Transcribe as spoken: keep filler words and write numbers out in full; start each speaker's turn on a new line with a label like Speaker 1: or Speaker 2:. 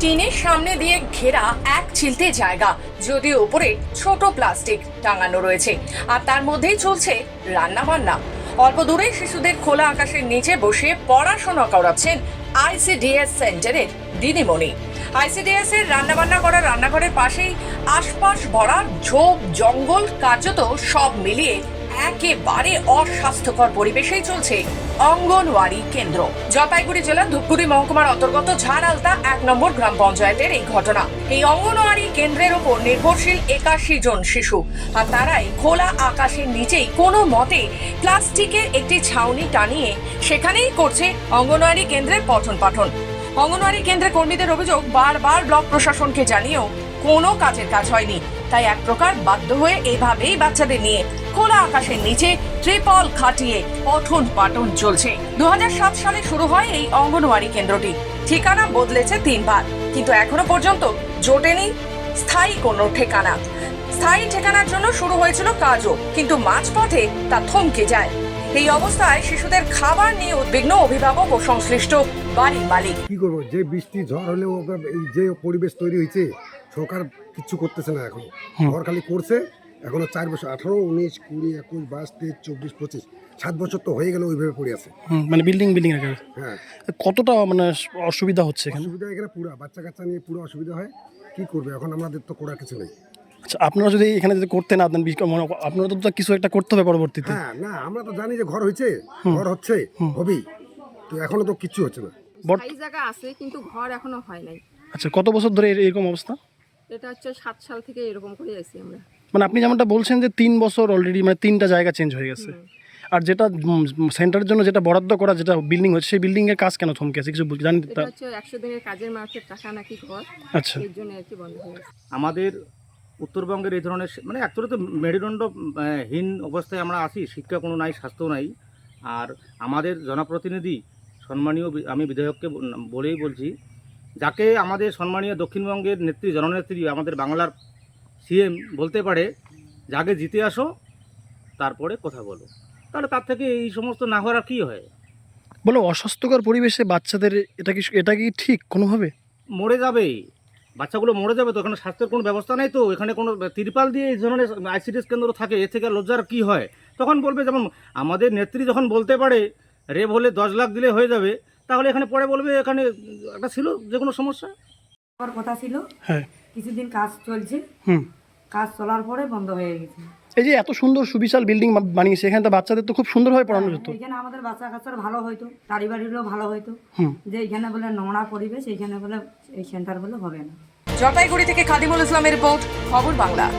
Speaker 1: টিনের সামনে দিয়ে ঘেরা এক চিলতে জায়গা, যদিও উপরে ছোট প্লাস্টিক টাঙানো রয়েছে, আর তার মধ্যেই চলছে রান্না বান্না। অল্প দূরে শিশুদের খোলা আকাশের নিচে বসে পড়াশোনা করাচ্ছেন আইসিডিএস সেন্টারের দিদিমণি। আইসিডিএস এর রান্নাবান্না করা রান্নাঘরের পাশেই আশপাশ ভরা ঝোপ জঙ্গল, কার্যত সব মিলিয়ে একেবারে অস্বাস্থ্যকর পরিবেশেই চলছে অঙ্গনওয়াড়ি কেন্দ্র। জলপাইগুড়ি জেলার ধূপগুড়ি মহকুমার অন্তর্গত ঝাড়ালতা এক নম্বর গ্রাম পঞ্চায়েতের এই ঘটনা। এই অঙ্গনওয়াড়ি কেন্দ্রের উপর নির্ভরশীল একাশি জন শিশু, আর তারাই খোলা আকাশের নিচেই কোনো মতে প্লাস্টিকের একটি ছাউনি টানিয়ে সেখানেই করছে অঙ্গনওয়াড়ি কেন্দ্রের পঠন পাঠন। অঙ্গনওয়াড়ি কেন্দ্রের কর্মীদের অভিযোগ, বারবার ব্লক প্রশাসনকে জানিয়েও কোনো কাজের কাজ হয়নি। তাই এক প্রকার বাধ্য হয়ে এভাবেই বাচ্চাদের নিয়ে খোলা আকাশের নিচে ত্রিপল খাটিয়ে পঠন পাঠন চলছে। দু হাজার সাত সালে শুরু হয় এই অঙ্গনওয়াড়ি কেন্দ্রটি। ঠিকানা বদলেছে তিনবার, কিন্তু এখনো পর্যন্ত জোটেনি স্থায়ী কোনো ঠিকানা। স্থায়ী ঠিকানার জন্য শুরু হয়েছিল কাজও, কিন্তু মাঝপথে তা থমকে যায়। এই অবস্থায় শিশুদের খাবার নিয়ে উদ্বিগ্ন অভিভাবক ও সংশ্লিষ্ট বাড়ির মালিক।
Speaker 2: কি করবো, যে বৃষ্টি ঝড় হলেও এই যে পরিবেশ তৈরি হয়েছে, সরকার কিচ্ছু করতেছে না। এখন ঘর খালি করছে। এখনো চার বছর, আঠারো উনিশ কুড়ি একুশ বাইশ তেইশ চব্বিশ পঁচিশ সাত বছর তো হয়ে গেল ওইভাবে পড়ে আছে।
Speaker 3: মানে বিল্ডিং বিল্ডিং এর
Speaker 2: হ্যাঁ,
Speaker 3: কতটা মানে অসুবিধা হচ্ছে এখানে?
Speaker 2: অসুবিধা এখানে পুরো বাচ্চা কাচ্চা নিয়ে পুরো অসুবিধা হয়। কি করবে এখন, আমাদের তো করার কিছু নেই।
Speaker 3: আচ্ছা, আপনারা যদি এখানে যদি করতে না দেন, আপনারা তো কিছু একটা করতে হবে পরবর্তীতে।
Speaker 2: হ্যাঁ, না আমরা তো জানি যে ঘর হয়েছে, ঘর হচ্ছে, হবেই, তো এখনো তো কিচ্ছু হচ্ছে না।
Speaker 4: এই জায়গা আছে কিন্তু ঘর এখনো হয় নাই।
Speaker 3: আচ্ছা, কত বছর ধরে এরকম অবস্থা?
Speaker 4: এটা হচ্ছে সাত সাল থেকে এরকম করে আছি আমরা।
Speaker 3: মানে আপনি যেমনটা বলছেন যে তিন বছর অলরেডি, মানে তিনটা জায়গা চেঞ্জ হয়ে গেছে। আর যেটা সেন্টারের জন্য যেটা বরাদ্দ করা, যেটা বিল্ডিং হচ্ছে, সেই বিল্ডিং এর কাজ কেন থমকে আছে কিছু জানেন?
Speaker 4: এটা হচ্ছে একশো দিনের কাজের মার্কেট টাকা নাকি ঘর,
Speaker 3: আচ্ছা,
Speaker 4: এর জন্য আর কি বন্ধ হয়ে গেছে।
Speaker 5: আমাদের উত্তরবঙ্গের এই ধরনের মানে অ্যাকচুয়ালি তো মেরুদণ্ডহীন অবস্থায় আমরা আছি, শিক্ষা কোনো নাই, স্বাস্থ্য নাই। আর আমাদের জনপ্রতিনিধি সম্মানীয়, আমি বিধায়ককে বলেই বলছি, যাকে আমাদের সম্মানীয় দক্ষিণবঙ্গের নেত্রী, জননেত্রী, আমাদের বাংলার সিএম বলতে পারে, যাকে জিতে আসো তারপরে কথা বলো, তাহলে তার থেকে এই সমস্ত না হওয়ার আর কী হয়?
Speaker 3: বলো, অস্বাস্থ্যকর পরিবেশে বাচ্চাদের এটা কি এটা কি ঠিক কোনোভাবে?
Speaker 5: মরে যাবে, বাচ্চাগুলো মরে যাবে তো। এখানে স্বাস্থ্যের কোনো ব্যবস্থা নেই তো, এখানে কোনো তিরপাল দিয়ে এই ধরনের আইসিডিএস কেন্দ্র থাকে, এর থেকে লজ্জার কী হয়? তখন বলবে, যেমন আমাদের নেত্রী যখন বলতে পারে রেপ হলে দশ লাখ দিলে হয়ে যাবে, তাহলে এখানে পরে বলবে এখানে একটা ছিল যে কোনো সমস্যা।
Speaker 6: আমার কথা ছিল,
Speaker 3: হ্যাঁ,
Speaker 6: কিছুদিন কাজ চলছে,
Speaker 3: হুম,
Speaker 6: কাজ চলার পরে বন্ধ হয়ে গেছে।
Speaker 3: এই যে এত সুন্দর সুবিশাল বিল্ডিং বানিয়েছে, এখানে তো বাচ্চাদের তো খুব সুন্দরভাবে পড়ানো যেত।
Speaker 6: এখানে আমাদের বাচ্চা কাচ্চার ভালো হইতো, বাড়ি বাড়িরও ভালো হইতো।
Speaker 3: হুম,
Speaker 6: যে এখানে বলে নোংরা পরিবেশ, এইখানে বলে এই সেন্টার বলে হবে না।
Speaker 1: জলপাইগুড়ি থেকে খাদিমুল ইসলামের রিপোর্ট, খবর বাংলা।